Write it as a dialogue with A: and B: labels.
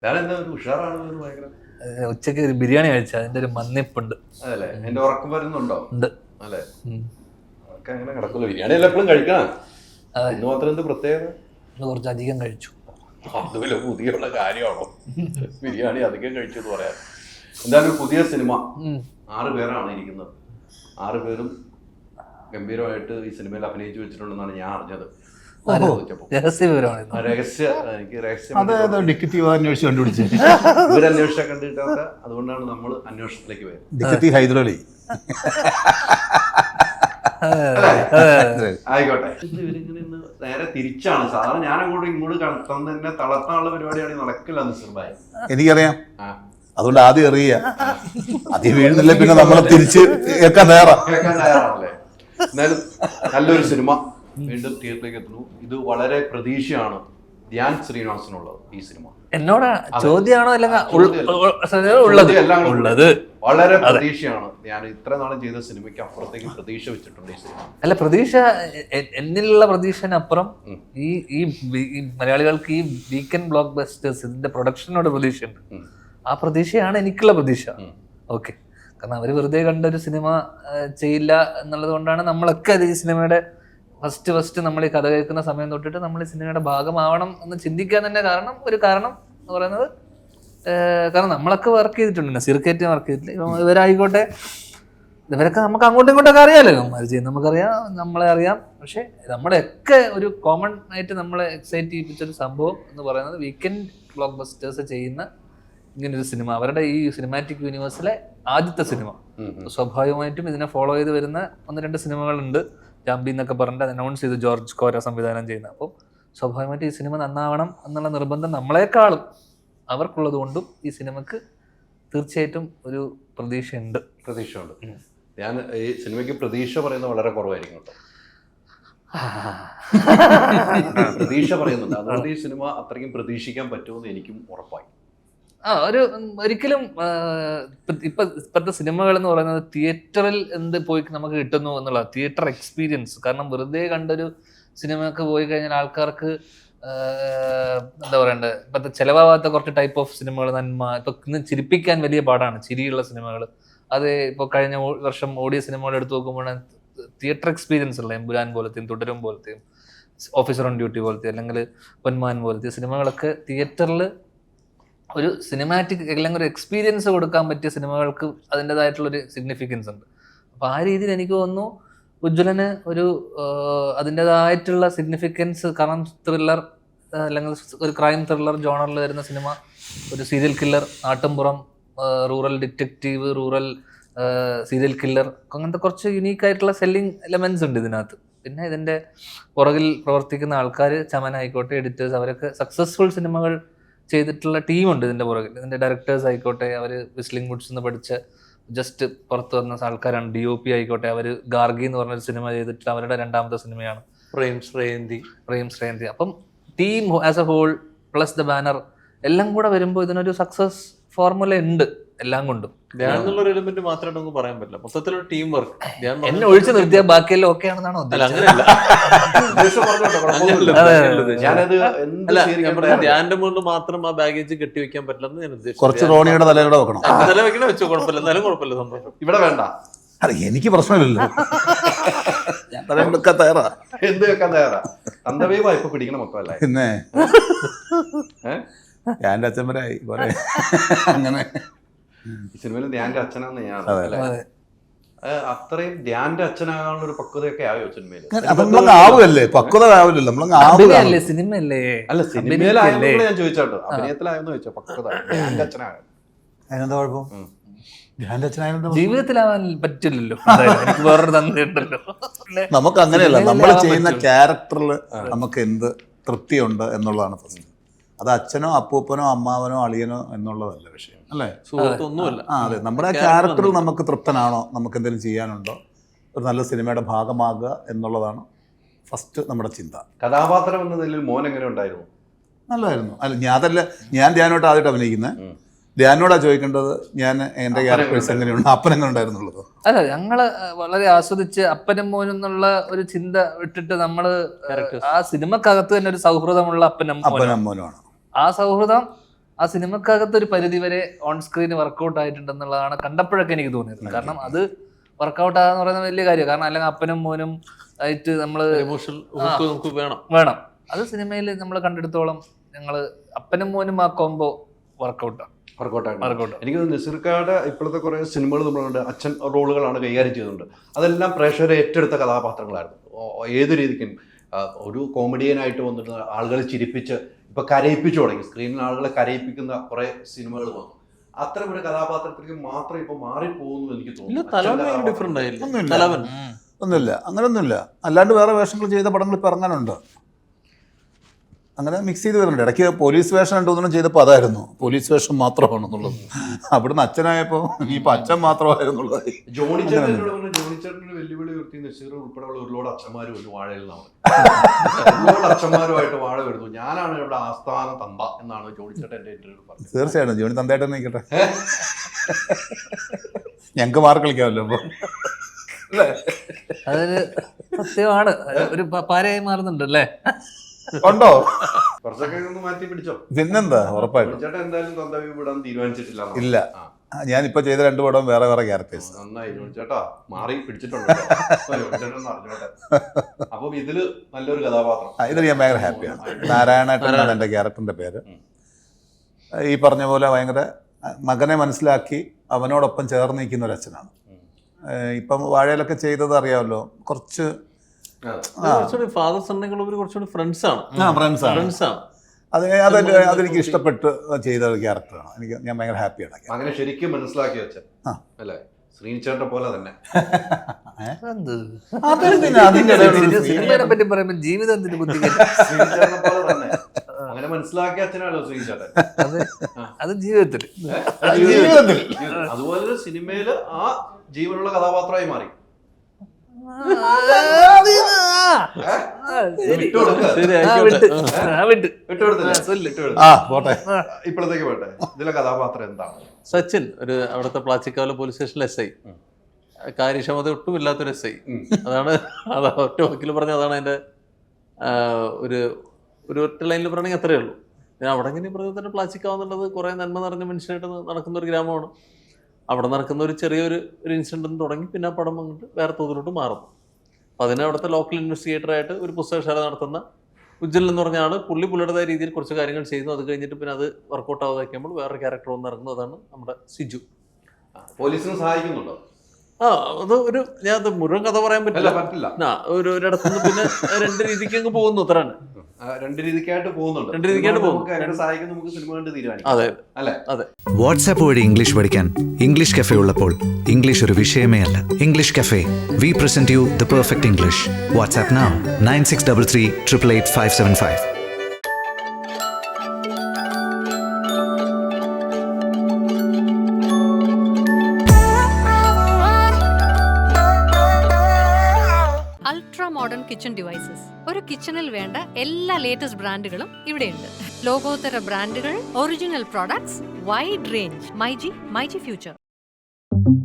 A: ഞാനെന്താ ഒരു ഉഷാറാണെന്ന് ഭയങ്കര.
B: ഉച്ചക്ക് ഒരു ബിരിയാണി കഴിച്ച അതിന്റെ ഒരു മന്നിപ്പുണ്ട്.
A: അതല്ലേ എന്റെ ഉറക്കം വരുന്നുണ്ടോ?
B: ഉണ്ട്.
A: അല്ലേ അതൊക്കെ അങ്ങനെ കിടക്കുമല്ലോ. ബിരിയാണി എല്ലാം എപ്പോഴും കഴിക്കണം. ഇന്ന് മാത്രം എന്ത് പ്രത്യേകത?
B: കുറച്ച് അധികം കഴിച്ചു.
A: അതുപോലെ പുതിയുള്ള കാര്യമാണോ ബിരിയാണി അധികം കഴിച്ചെന്ന് പറയാൻ? എന്തായാലും പുതിയ സിനിമ 6 പേരാണ് ഇരിക്കുന്നത്. 6 പേരും ഗംഭീരമായിട്ട് ഈ സിനിമയിൽ അഭിനയിച്ചു വെച്ചിട്ടുണ്ടെന്നാണ് ഞാൻ അറിഞ്ഞത്. ഇവരന്വേഷിച്ചാൽ കണ്ടിട്ടൊക്കെ അതുകൊണ്ടാണ് നമ്മൾ അന്വേഷണത്തിലേക്ക് പോയത്.
C: ഹൈദരലി
A: ആയിക്കോട്ടെ. ഇവരിങ്ങനെ നേരെ തിരിച്ചാണ് സാധാരണ. ഞാൻ അങ്ങോട്ടും ഇങ്ങോട്ട് തന്നെ തളർത്താനുള്ള പരിപാടിയാണ് നടക്കില്ല നിസർബായി.
C: എനിക്കറിയാം, അതുകൊണ്ട് ആദ്യം അറിയ ആദ്യം വീഴുന്നില്ല, പിന്നെ നമ്മളെ തിരിച്ച് കേൾക്കാൻ
A: തയ്യാറാണല്ലേ. എന്നാലും നല്ലൊരു സിനിമ വീണ്ടും തിയേറ്ററിലേക്ക് എത്തുന്നു. ഇത് വളരെ പ്രതീക്ഷയാണ് ധ്യാൻ ശ്രീനിവാസനുള്ളത് ഈ സിനിമ.
B: എന്നോട് ചോദ്യമാണോ ഉള്ളത്?
A: വളരെ പ്രതീക്ഷയാണ്. ഞാൻ ഇത്ര നാളും ചെയ്ത സിനിമയ്ക്ക് അപ്പുറത്തേക്ക് പ്രതീക്ഷ വെച്ചിട്ടുണ്ട് ഈ സിനിമ.
B: അല്ല, പ്രതീക്ഷ എന്നിലുള്ള പ്രതീക്ഷനപ്പുറം ഈ മലയാളികൾക്ക് ഈ വീക്കെൻഡ് ബ്ലോക്ക് ബസ്റ്റേഴ്സ് ഇതിന്റെ പ്രൊഡക്ഷനോട് പ്രതീക്ഷയുണ്ട്. ആ പ്രതീക്ഷയാണ് എനിക്കുള്ള പ്രതീക്ഷ. ഓക്കെ, കാരണം അവര് വെറുതെ കണ്ടൊരു സിനിമ ചെയ്യില്ല എന്നുള്ളത് കൊണ്ടാണ് നമ്മളൊക്കെ ഈ സിനിമയുടെ ഫസ്റ്റ് നമ്മൾ ഈ കഥ കേൾക്കുന്ന സമയം തൊട്ടിട്ട് നമ്മൾ ഈ സിനിമയുടെ ഭാഗമാവണം എന്ന് ചിന്തിക്കാൻ തന്നെ ഒരു കാരണം എന്ന് പറയുന്നത്, കാരണം നമ്മളൊക്കെ വർക്ക് ചെയ്തിട്ടുണ്ട്, നസീർക്കേറ്റ് വർക്ക് ചെയ്തിട്ടില്ല, ഇവരായിക്കോട്ടെ, ഇവരൊക്കെ നമുക്ക് അങ്ങോട്ടും ഇങ്ങോട്ടൊക്കെ അറിയാമല്ലോ. അവർ ചെയ്യുന്നത് നമുക്കറിയാം, നമ്മളെ അറിയാം. പക്ഷെ നമ്മുടെയൊക്കെ ഒരു കോമൺ ആയിട്ട് നമ്മളെ എക്സൈറ്റ് ചെയ്യിപ്പിച്ചൊരു സംഭവം എന്ന് പറയുന്നത് വീക്കെൻഡ് ബ്ലോക്ക് ബസ്റ്റേഴ്സ് ചെയ്യുന്ന ഇങ്ങനൊരു സിനിമ, അവരുടെ ഈ സിനിമാറ്റിക് യൂണിവേഴ്സിലെ ആദ്യത്തെ സിനിമ. സ്വാഭാവികമായിട്ടും ഇതിനെ ഫോളോ ചെയ്ത് വരുന്ന 1-2 സിനിമകളുണ്ട്. ജാമ്പി എന്നൊക്കെ പറഞ്ഞിട്ട് അനൗൺസ് ചെയ്തു ജോർജ് കോര സംവിധാനം ചെയ്യുന്ന. അപ്പോൾ സ്വാഭാവികമായിട്ടും ഈ സിനിമ നന്നാവണം എന്നുള്ള നിർബന്ധം നമ്മളെക്കാളും അവർക്കുള്ളത് കൊണ്ടും ഈ സിനിമക്ക് തീർച്ചയായിട്ടും ഒരു പ്രതീക്ഷയുണ്ട്.
A: ഞാൻ ഈ സിനിമയ്ക്ക് പ്രതീക്ഷ പറയുന്നത് വളരെ കുറവായിരിക്കും കേട്ടോ. പ്രതീക്ഷ പറയുന്നുണ്ട്, അതുകൊണ്ട് ഈ സിനിമ അത്രയ്ക്കും പ്രതീക്ഷിക്കാൻ പറ്റുമെന്ന് എനിക്കും ഉറപ്പായി.
B: ഒരിക്കലും ഇപ്പോഴത്തെ സിനിമകൾ എന്ന് പറയുന്നത് തിയേറ്ററിൽ എന്ത് പോയി നമുക്ക് കിട്ടുന്നു എന്നുള്ള തിയേറ്റർ എക്സ്പീരിയൻസ്. കാരണം വെറുതെ കണ്ടൊരു സിനിമക്ക് പോയി കഴിഞ്ഞാൽ ആൾക്കാർക്ക് എന്താ പറയണ്ടത്, ഇപ്പോഴത്തെ ചിലവാകാത്ത കുറച്ച് ടൈപ്പ് ഓഫ് സിനിമകൾ, നന്മ, ഇപ്പൊ ഇന്ന് ചിരിപ്പിക്കാൻ വലിയ പാടാണ് ചിരിയുള്ള സിനിമകൾ. അത് ഇപ്പോൾ കഴിഞ്ഞ വർഷം ഓടിയ സിനിമകൾ എടുത്തു നോക്കുമ്പോഴാണ് തിയേറ്റർ എക്സ്പീരിയൻസ് ഉള്ള എമ്പുരാൻ പോലത്തെയും തുടരും പോലത്തെയും ഓഫീസർ ഓൺ ഡ്യൂട്ടി പോലത്തെ അല്ലെങ്കിൽ പൊന്മാൻ പോലത്തെ സിനിമകളൊക്കെ തിയേറ്ററിൽ ഒരു സിനിമാറ്റിക് അല്ലെങ്കിൽ ഒരു എക്സ്പീരിയൻസ് കൊടുക്കാൻ പറ്റിയ സിനിമകൾക്ക് അതിൻ്റെതായിട്ടുള്ളൊരു സിഗ്നിഫിക്കൻസ് ഉണ്ട്. അപ്പോൾ ആ രീതിയിൽ എനിക്ക് തോന്നുന്നു ഉജ്ജ്വലന് ഒരു അതിൻ്റെതായിട്ടുള്ള സിഗ്നിഫിക്കൻസ്. കാരണം ത്രില്ലർ അല്ലെങ്കിൽ ഒരു ക്രൈം ത്രില്ലർ ജോണറിൽ വരുന്ന സിനിമ, ഒരു സീരിയൽ കില്ലർ, നാട്ടുംപുറം, rural detective, rural serial killer, അങ്ങനത്തെ കുറച്ച് യുണീക്കായിട്ടുള്ള സെല്ലിംഗ് എലമെന്റ്സ് ഉണ്ട് ഇതിനകത്ത്. പിന്നെ ഇതിൻ്റെ പുറകിൽ പ്രവർത്തിക്കുന്ന ആൾക്കാർ, ചമനായിക്കോട്ടെ, എഡിറ്റേഴ്സ്, അവരൊക്കെ സക്സസ്ഫുൾ സിനിമകൾ ചെയ്തിട്ടുള്ള ടീമുണ്ട് ഇതിൻ്റെ പുറകിൽ. ഇതിൻ്റെ ഡയറക്ടേഴ്സ് ആയിക്കോട്ടെ, അവർ വിസ്ലിംഗ് വുഡ്സ് എന്ന് പഠിച്ച ജസ്റ്റ് പുറത്ത് വന്ന ആൾക്കാരാണ്. DOP ആയിക്കോട്ടെ, അവർ ഗാർഗി എന്ന് പറഞ്ഞൊരു സിനിമ ചെയ്തിട്ട് അവരുടെ 2ാമത്തെ സിനിമയാണ് പ്രേം ശ്രേയന്തി. അപ്പം team as a whole plus the banner എല്ലാം കൂടെ വരുമ്പോൾ ഇതിനൊരു സക്സസ് ഫോർമുല ഉണ്ട് എല്ലാം കൊണ്ടും.
D: എലിമെന്റ് മാത്രമായിട്ട് നമുക്ക് പറയാൻ പറ്റില്ല, മൊത്തത്തിലൊരു ടീം വർക്ക്.
B: എന്നെ ഒഴിച്ചു നിർത്തിയാൽ ബാക്കിയെല്ലാം ഓക്കെ ആണെന്നാണോ?
D: ധ്യാന്റെ മുകളിൽ മാത്രം ആ ബാഗേജ് കെട്ടിവെക്കാൻ പറ്റില്ലെന്ന് ഞാൻ ഉദ്ദേശിച്ചു.
C: കുറച്ച് റോണിയുടെ തലയുടെ വെക്കണം.
D: തല വെക്കണ വെച്ചോ, കുഴപ്പമില്ല, എന്നാലും കുഴപ്പമില്ല, സന്തോഷം.
A: ഇവിടെ വേണ്ട,
C: അല്ല എനിക്ക് പ്രശ്നമില്ലല്ലോ, ഞാൻ വെക്കാൻ തയ്യാറാ.
A: എന്ത് വെക്കാൻ തയ്യാറാ? തന്തവേ ഇപ്പൊ പിടിക്കണ മൊത്തമല്ല.
C: പിന്നെ ഞാൻ അച്ഛന്മാരായി പോലെ അങ്ങനെ.
A: ഈ സിനിമയിൽ ധ്യാന്റെ അച്ഛനാന്ന് ഞാൻ അത്രയും ധ്യാന്റെ അച്ഛനാകാനുള്ള ഒരു പക്വതയൊക്കെ ആയോ സിനിമയിൽ?
C: നമ്മളങ്ങ് ആവുമല്ലേ, പക്വത ആവില്ലല്ലോ, നമ്മളങ്ങ് ആവില്ലേ.
B: സിനിമയല്ലേ?
A: അല്ല, സിനിമയിലായെന്ന് ഞാൻ ചോദിച്ചോട്ടോ, അഭിനയത്തിലായെന്ന് ചോദിച്ചോ. പക്വത ധ്യാന്റെ അച്ഛനാകാൻ
C: അതിനെന്താ കുഴപ്പം? ധ്യാന്റെ അച്ഛനായ
B: ജീവിതത്തിലാവാൻ പറ്റില്ലല്ലോ, എനിക്ക് വേറൊരു തന്നിട്ടുണ്ടല്ലോ.
C: നമുക്ക് അങ്ങനെയല്ല, നമ്മൾ ചെയ്യുന്ന ക്യാരക്ടറിൽ നമുക്ക് എന്ത് തൃപ്തിയുണ്ട് എന്നുള്ളതാണ് ഫസ്റ്റ്. അത് അച്ഛനോ അപ്പൂപ്പനോ അമ്മാവനോ അളിയനോ എന്നുള്ളതല്ല വിഷയം, അല്ലേ?
D: സുഹൃത്തൊന്നുമല്ല.
C: അതെ, നമ്മുടെ ക്യാരക്ടറിൽ നമുക്ക് തൃപ്തനാണോ, നമുക്ക് എന്തെങ്കിലും ചെയ്യാനുണ്ടോ, ഒരു നല്ല സിനിമയുടെ ഭാഗമാകുക എന്നുള്ളതാണ് ഫസ്റ്റ് നമ്മുടെ ചിന്ത.
A: കഥാപാത്രം എന്ന നിലയിൽ മോൻ എങ്ങനെ ഉണ്ടായിരുന്നു?
C: നല്ലതായിരുന്നു. അല്ല, ഞാൻ ധ്യാനോട്ട് ആദ്യമായിട്ട് അഭിനയിക്കുന്നത്. ധ്യാനോടാ ചോദിക്കേണ്ടത്, ഞാൻ എൻ്റെ ക്യാരക്ടേഴ്സ് എങ്ങനെയുണ്ട്, അപ്പൻ എങ്ങനെ ഉണ്ടായിരുന്നുള്ളത്.
B: അല്ല, ഞങ്ങള് വളരെ ആസ്വദിച്ച് അപ്പനും മോനും എന്നുള്ള ഒരു ചിന്ത വിട്ടിട്ട് നമ്മള് ആ സിനിമക്കകത്ത് തന്നെ ഒരു സൗഹൃദമുള്ള അപ്പനും
C: അപ്പനും മോനുമാണ്.
B: ആ സൗഹൃദം ആ സിനിമക്കകത്ത് ഒരു പരിധി വരെ ഓൺ സ്ക്രീൻ വർക്കൗട്ട് ആയിട്ടുണ്ടെന്നുള്ളതാണ് കണ്ടപ്പോഴൊക്കെ എനിക്ക് തോന്നിയത്. കാരണം അത് വർക്കൗട്ട് ആകാന്ന് പറയുന്നത് വലിയ കാര്യം. കാരണം അല്ലെങ്കിൽ അപ്പനും മോനും ആയിട്ട് നമ്മള്
D: ഇമോഷണൽ നമുക്ക്
B: വേണം. അത് സിനിമയിൽ നമ്മൾ കണ്ടെടുത്തോളം ഞങ്ങള് അപ്പനും മോനും ആ കോംബോ വർക്കൗട്ടാണ്.
A: എനിക്ക് നസീർക്കാരുടെ ഇപ്പോഴത്തെ കുറെ സിനിമകൾ നമ്മളുണ്ട്, അച്ഛൻ റോളുകളാണ് കൈകാര്യം ചെയ്തിട്ടുണ്ട്. അതെല്ലാം പ്രേക്ഷകരെ ഏറ്റെടുത്ത കഥാപാത്രങ്ങളായിരുന്നു. ഏത് രീതിക്കും ഒരു കോമഡിയനായിട്ട് വന്നിട്ട് ആളുകളെ ചിരിപ്പിച്ച് ഇപ്പൊ കരയിപ്പിച്ചു തുടങ്ങി. സ്ക്രീനിൽ ആളുകളെ കരയിപ്പിക്കുന്ന കുറെ സിനിമകൾ വന്നു. അത്തരം ഒരു കഥാപാത്രത്തിലേക്ക് മാത്രം ഇപ്പൊ മാറിപ്പോകുന്നു എനിക്ക് തോന്നുന്നു.
C: ഒന്നുമില്ല, അങ്ങനെയൊന്നുമില്ല. അല്ലാണ്ട് വേറെ വേഷങ്ങൾ ചെയ്ത പടങ്ങൾ ഇപ്പൊ ഇറങ്ങാനുണ്ട്. അങ്ങനെ മിക്സ് ചെയ്ത് വരുന്നുണ്ട്. ഇടയ്ക്ക് പോലീസ് വേഷം രണ്ടു ചെയ്തപ്പോൾ അതായിരുന്നു പോലീസ് വേഷം മാത്രമാണെന്നുള്ളത്. അവിടുന്ന് അച്ഛനായപ്പോൾ ഇപ്പൊ അച്ഛൻ മാത്രമായിരുന്നുള്ളത്.
A: ജോണി ചേട്ടൻ്റെ വെല്ലുവിളി ഉയർത്തി നസീർ ഉൾപ്പെടെയുള്ള ഒരുപാട് അച്ഛന്മാരും ഒരു വാഴയിൽ നിന്നാണ് ഒരുപാട് അച്ഛന്മാരുമായിട്ട് വാഴ വരുന്നു. ഞാനാണ് ഇവിടെ ആസ്ഥാന തന്ത എന്നാണ് ജോണി ചേട്ടൻ എന്റെ ഇന്റർവ്യൂ പറഞ്ഞത്.
C: തീർച്ചയായിട്ടും ജോണി തന്തയായിട്ട് നിൽക്കട്ടെ, ഞങ്ങൾക്ക് മാർക്ക് കളിക്കാമല്ലോ. അപ്പൊ
B: അതൊരു സത്യമാണ്. ഒരു പാരയായി മാറുന്നുണ്ട് അല്ലേ?
C: ഉണ്ടോ?
A: കുറച്ചൊക്കെ ഒന്ന് മാറ്റി പിടിച്ചോ.
C: പിന്നെന്താ, ഉറപ്പായിട്ടും.
A: ചേട്ടൻ എന്തായാലും തന്തവി വിടാൻ തീരുമാനിച്ചിട്ടില്ല.
C: ഇല്ല, ഞാനിപ്പോ ചെയ്ത 2 പടം വേറെ വേറെ ക്യാരക്ടേഴ്സ്.
A: നന്നായി ചേട്ടാ, മാറി പിടിച്ചിട്ടുണ്ട്. അറിഞ്ഞോട്ടെ. അപ്പൊ ഇതില് നല്ലൊരു കഥാപാത്രം.
C: ഇതിൽ ഞാൻ ഭയങ്കര ഹാപ്പിയാണ്. നാരായണേട്ടനാണ് എൻ്റെ ക്യാരക്ടറിന്റെ പേര്. ഈ പറഞ്ഞ പോലെ ഭയങ്കര മകനെ മനസ്സിലാക്കി അവനോടൊപ്പം ചേർന്ന് നിൽക്കുന്ന ഒരു അച്ഛനാണ്. ഇപ്പം വാഴയിലൊക്കെ ചെയ്തത് അറിയാമല്ലോ, കുറച്ച്
D: ഫാദർ സണ്ണുകൾ കുറച്ചുകൂടി ഫ്രണ്ട്സ് ആണ്.
C: അതെനിക്ക് ഇഷ്ടപ്പെട്ട് ചെയ്ത ഒരു ക്യാരക്ടറാണ്. ഞാൻ ഭയങ്കര ഹാപ്പിയാണ്.
A: അങ്ങനെ ശരിക്കും മനസ്സിലാക്കി വെച്ചത് അല്ലേ? ശ്രീനിച്ചേട്ടനെ പോലെ തന്നെ.
B: സിനിമയെ പറ്റി പറയുമ്പോൾ ജീവിതത്തിന്റെ ബുദ്ധി
A: ശ്രീനിച്ചേട്ടനെ പോലെ തന്നെ അങ്ങനെ മനസ്സിലാക്കിയ അച്ഛനാണല്ലോ ശ്രീനിച്ചേട്ടൻ.
B: അത് ജീവിതത്തിൽ
A: അതുപോലെ സിനിമയില് ആ ജീവനുള്ള കഥാപാത്രമായി മാറി. ഇപ്പോഴത്തേക്ക് പോട്ടെ, ഇതിലെ കഥാപാത്രം എന്താണ്?
D: സച്ചിൻ, ഒരു അവിടുത്തെ പ്ലാച്ചിക്കാവിലെ പോലീസ് സ്റ്റേഷനിലെ SI. കാര്യക്ഷമത ഒട്ടും ഇല്ലാത്തൊരു SI. അതാണ് ഒറ്റ വാക്കിൽ പറഞ്ഞ അതാണ് അതിന്റെ ഒരു ഒറ്റ ലൈനിൽ പറയണമെങ്കിൽ അത്രയേ ഉള്ളൂ. പിന്നെ അവിടെ ഇങ്ങനെ പറഞ്ഞാൽ തന്നെ പ്ലാച്ചിക്കാവുന്നുള്ളത് കുറെ നന്മ നിറഞ്ഞ മനുഷ്യനായിട്ട് നടക്കുന്ന ഒരു ഗ്രാമമാണ്. അവിടെ നടക്കുന്ന ഒരു ചെറിയൊരു ഇൻസിഡന്റ് തുടങ്ങി പിന്നെ ആ പടം അങ്ങോട്ട് വേറെ തോതിലോട്ട് മാറുന്നു. അപ്പോൾ അതിനെ അവിടുത്തെ ലോക്കൽ ഇൻവെസ്റ്റിഗേറ്ററായിട്ട് ഒരു പുസ്തകശാല നടത്തുന്ന ഉജ്ജൽ എന്ന് പറഞ്ഞ ആൾ പുള്ളിയുടേതായ രീതിയിൽ കുറച്ച് കാര്യങ്ങൾ ചെയ്യുന്നു. അത് കഴിഞ്ഞിട്ട് പിന്നെ അത് വർക്കൗട്ട് ആവാതാക്കുമ്പോൾ വേറെ ക്യാരക്ടർ വന്ന് ഇറങ്ങുന്നു. അതാണ് നമ്മുടെ സിജു.
A: പോലീസിനെ സഹായിക്കുന്നുണ്ടോ?
D: അത് ഞാൻ മുഴുവൻ കഥ പറയാൻ പറ്റില്ല. ഒരിടത്തുനിന്ന് പിന്നെ 2 രീതിക്ക് അങ്ങ് പോകുന്നു. അത്രയാണ്.
A: 2 രീതിക്കായിട്ട് പോകുന്നുണ്ട്.
D: 2 രീതിക്കായിട്ട് പോകും.
A: അതെ അല്ലേ?
E: വാട്സാപ്പ് വഴി ഇംഗ്ലീഷ് പഠിക്കാൻ ഇംഗ്ലീഷ് കഫേ ഉള്ളപ്പോൾ ഇംഗ്ലീഷ് ഒരു വിഷയമേ അല്ല. English cafe, we present you the perfect English. WhatsApp now 9633 888 575.
F: Modern kitchen devices. ഒരു കിച്ചണിൽ വേണ്ട എല്ലാ ലേറ്റസ്റ്റ് ബ്രാൻഡുകളും ഇവിടെയുണ്ട്. ലോകോത്തര ബ്രാൻഡുകൾ, original products, wide range. MyG future.